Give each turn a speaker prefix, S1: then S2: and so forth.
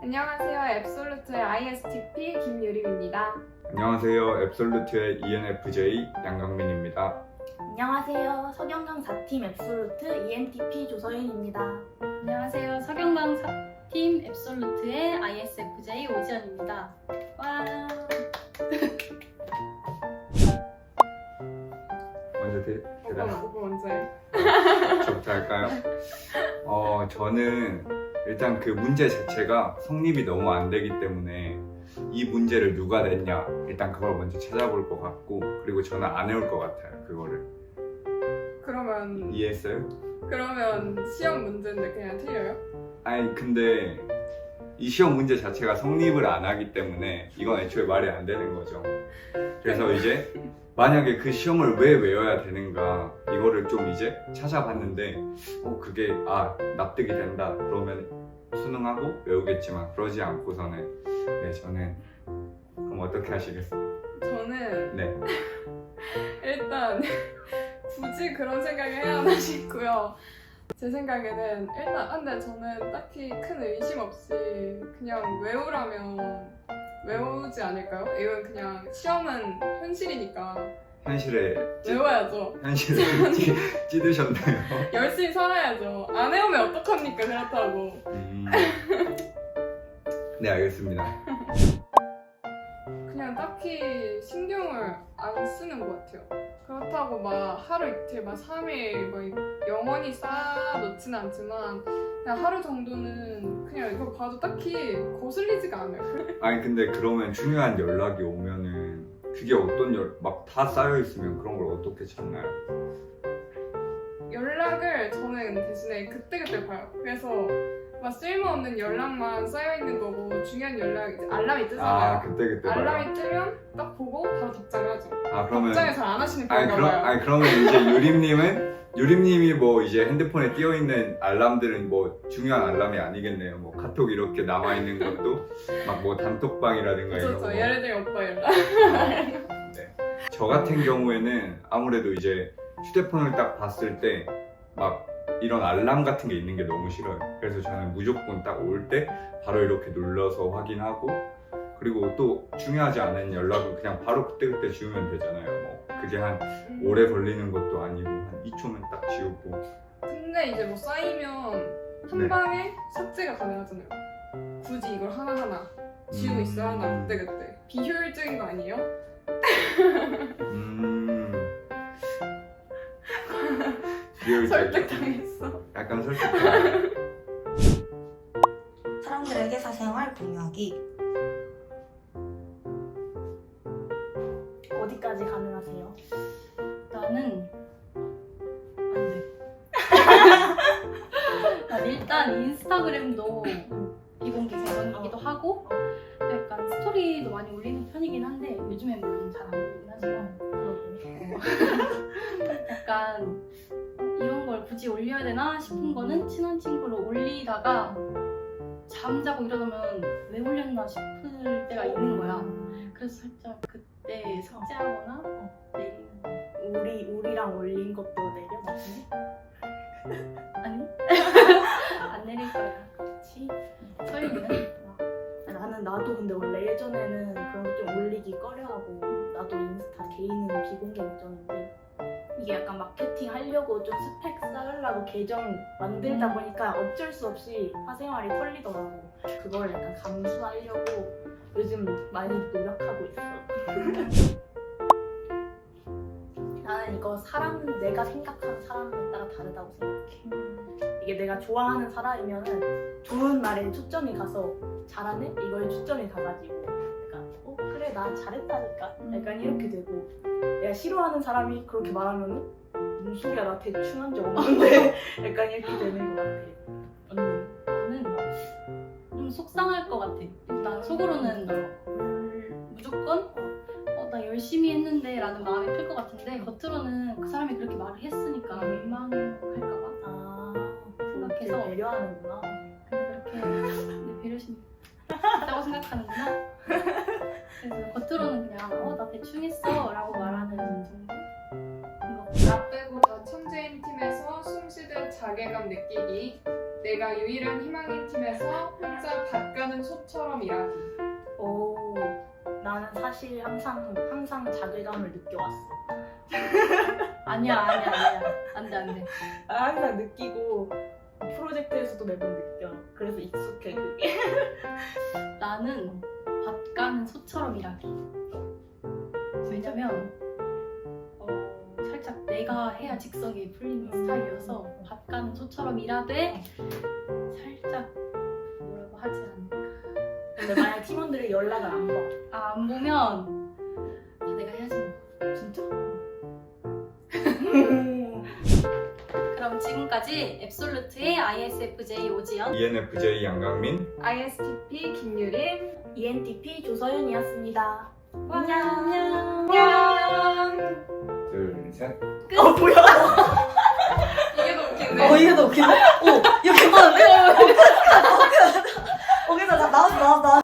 S1: 안녕하세요. 앱솔루트의 ISTP 김유림입니다.
S2: 안녕하세요. 앱솔루트의 ENFJ 양강민입니다.
S3: 안녕하세요. 서경강 4팀 앱솔루트 ENTP 조서윤입니다.
S4: 안녕하세요. 서경강 4팀 앱솔루트의 ISFJ 오지연입니다. 와.
S2: 먼저 대답.
S1: 오빠 먼저 해.
S2: 저부터 할까요? 저는 일단 그 문제 자체가 성립이 너무 안 되기 때문에 이 문제를 누가 냈냐 일단 그걸 먼저 찾아볼 것 같고, 그리고 저는 안 해올 것 같아요. 그거를.
S1: 그러면
S2: 이해했어요?
S1: 시험 문제인데 그냥 틀려요?
S2: 아니 근데 이 시험 문제 자체가 성립을 안 하기 때문에 이건 애초에 말이 안 되는 거죠. 그래서 이제 만약에 그 시험을 왜 외워야 되는가 이거를 좀 이제 찾아봤는데 그게 납득이 된다 그러면 수능하고 외우겠지만, 그러지 않고서는 저는 그럼 어떻게 하시겠어요?
S1: 저는
S2: 네.
S1: 일단 굳이 그런 생각을 해야 하나 싶고요. 제 생각에는 일단 근데 저는 딱히 큰 의심 없이 그냥 외우라면 외우지 않을까요? 이건 그냥 시험은 현실이니까
S2: 현실에
S1: 외워야죠.
S2: 현실에 찌드셨나요?
S1: 열심히 살아야죠. 안 해오면 어떡합니까? 그렇다고.
S2: 네, 알겠습니다.
S1: 그냥 딱히 신경을 안 쓰는 것 같아요. 그렇다고 막 하루 이틀, 막 3일 막 영원히 쌓아놓지는 않지만 그냥 하루 정도는 그냥 이거 봐도 딱히 거슬리지가 않아요.
S2: 아니 근데 그러면 중요한 연락이 오면은 그게 어떤 막 다 쌓여 있으면 그런 걸 어떻게 찾나요?
S1: 연락을 저는 대신에 그때그때 봐요. 그래서 막 쓸모없는 연락만 쌓여있는 거고 중요한 연락 이제 알람이 뜨잖아요.
S2: 그때 봐요.
S1: 알람이 뜨면 딱 보고 바로 답장을 하죠.
S2: 그러면
S1: 답장을 잘 안 하시는 편인가 봐요.
S2: 그러면 이제 유림님이 뭐 이제 핸드폰에 끼어 있는 알람들은 뭐 중요한 알람이 아니겠네요. 뭐 카톡 이렇게 남아 있는 것도 막 뭐 단톡방이라든가 이런 거.
S1: 그렇죠. 예를 들면 오빠 연락.
S2: 네. 저 같은 경우에는 아무래도 이제 휴대폰을 딱 봤을 때 막 이런 알람 같은 게 있는 게 너무 싫어요. 그래서 저는 무조건 딱 올 때 바로 이렇게 눌러서 확인하고, 그리고 또 중요하지 않은 연락은 그냥 바로 그때그때 지우면 되잖아요. 뭐 그게 한 오래 걸리는 것도 아니고 한 2초면 딱 지우고.
S1: 근데 이제 뭐 쌓이면 한
S2: 네.
S1: 방에 삭제가 가능하잖아요. 굳이 이걸 하나하나 지우고 있어야 하나 그때그때. 비효율적인 거 아니에요? 설득당했어.
S2: 약간 설득당했어.
S3: 사람들에게 사생활 공유하기. 어디까지 가능하세요?
S4: 나는 안 돼. 난 일단 인스타그램도 비공개 계정이기도 하고 약간 스토리도 많이 올리는 편이긴 한데 요즘엔 물론 잘 안 올리긴 하지만 약간 이런 걸 굳이 올려야 되나 싶은 거는 친한 친구로 올리다가 잠자고 일어나면 왜 올렸나 싶을 때가 있는 거야. 그래서 살짝 그때 삭제하거나 내리는.
S3: 우리랑 올린 것도 내려봤니?
S4: 아니? 안 내릴 거야. 그렇지? 서윤이는?
S3: 나도 근데 원래 예전에는 그런 거 좀 올리기 꺼려하고, 나도 인스타 개인은 비공개 계정인데 이게 약간 마케팅 하려고 좀 스펙 쌓으려고 계정 만들다 보니까 어쩔 수 없이 사생활이 털리더라고. 그걸 약간 감수하려고 요즘 많이 노력하고 있어. 나는 이거 내가 생각하는 사람에 따라 다르다고 생각해. 이게 내가 좋아하는 사람이면은 좋은 말에 초점이 가서 잘하네? 이거에 초점이 가가지고 약간 그래 나 잘했다니까? 약간 이렇게 되고, 내가 싫어하는 사람이 그렇게 말하면은 무슨 소리야 나 대충 한 적 없는데 약간 이렇게 되는 것 같아. 언니?
S4: 나는 좀 속상할 것 같아. 난 속으로는 무조건 나 열심히 했는데 라는 마음이 클 것 같은데 겉으로는 그 사람이 그렇게 말을 했으니까 민망할까봐 생각해서
S3: 배려하는구나.
S4: 근데 그렇게 내 배려심이 있다고 생각하는구나. 그래서 겉으로는 그냥 나 대충 했어 라고 말하는 정도?
S1: 나 빼고 다 천재인 팀에서 숨쉬듯 자괴감 느끼기. 내가 유일한 희망인 팀에서 혼자 가끔 가는 소처럼 일하기.
S3: 오, 나는 사실 항상 자괴감을 느껴왔어.
S4: 아니야. 안 돼.
S3: 항상 느끼고 프로젝트에서도 매번 느껴. 그래서 익숙해 그게.
S4: 나는 밭 가는 소처럼 일하기. 왜냐면 살짝 내가 해야 직성이 풀리는 스타일이어서 밭 가는 소처럼 일하되 살짝 뭐라고 하지 않을까.
S3: 근데 만약 팀원들이 연락을 안 봐.
S4: 안 보면 내가 해야지 뭐.
S3: 진짜?
S4: 그럼 지금까지 앱솔루트의 ISFJ 오지연,
S2: ENFJ 양강민.
S1: ISTP 김유린.
S3: ENTP 조서연이었습니다.
S4: 안녕.
S1: 안녕.
S2: 둘, 셋.
S3: 뭐야?
S1: 이게 더 웃기네.
S3: 이게 더 웃기네? 이거 괜찮은데? 괜찮아. 나왔어.